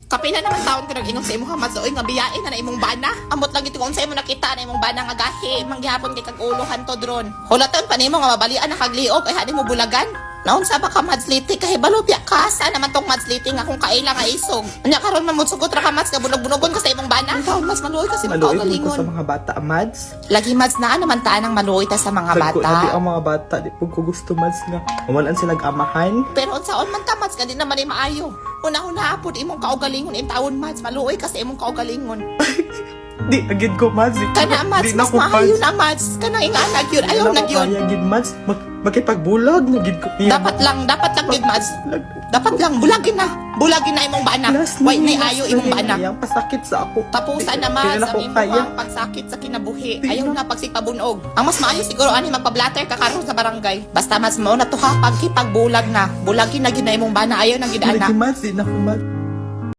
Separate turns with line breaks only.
Kapila naman taon ko nag-inom sa imong Mads. Oy, nga biyain na imong bana. Amot lang ito kung sa imo nakita na imong bana nga gahi. Manggihapon kay kag-ulohan to dron. Hulaton pa nimo nga mabalian na kagliog ay hadi mo bulagan. Naon sa ba ka Mads Liti kahit balupya ka sa naman tong Mads Liti nga kung kaila nga isog. Anya karon man mutsugot ra ka Mads ka bunog-bunogon ka sa imong bana. Taon mas maluoy kasi
Maluoy ko
magkaugalingon.
sa mga bata, Mads.
Lagi Mads na naman taan ang maluoy ta sa mga
Sabi ko,
bata.
ang mga bata, di po ko gusto, Mads, nga mawalan silang amahan.
Pero unsaon man ta Mads ka di naman ay maayo. Una-una apod imong kaugalingon in taon Mads maluoy kasi imong kaugalingon.
Di, agad ko, Mads.
Kana Mads mas maayo na Mads kana inganag yun ayaw na yun.
Kaya, gid, Mads. Makipagbulag, nagid ko.
Dapat lang gid Mads. Dapat lang bulagin na imong bana. Why nay ayo imong bana.
Yang pasakit sa ako.
Tapusan na Mads ang imong pagsakit sa kinabuhi. Ayaw na pagsipabunog. Ang mas maayo siguro ani magpa-blatter ka karon sa barangay. Basta Mads mo na to ha pagkipagbulag na. Bulagin na gid na imong bana ayaw na gid ana.
Mads, di na ko, Mads.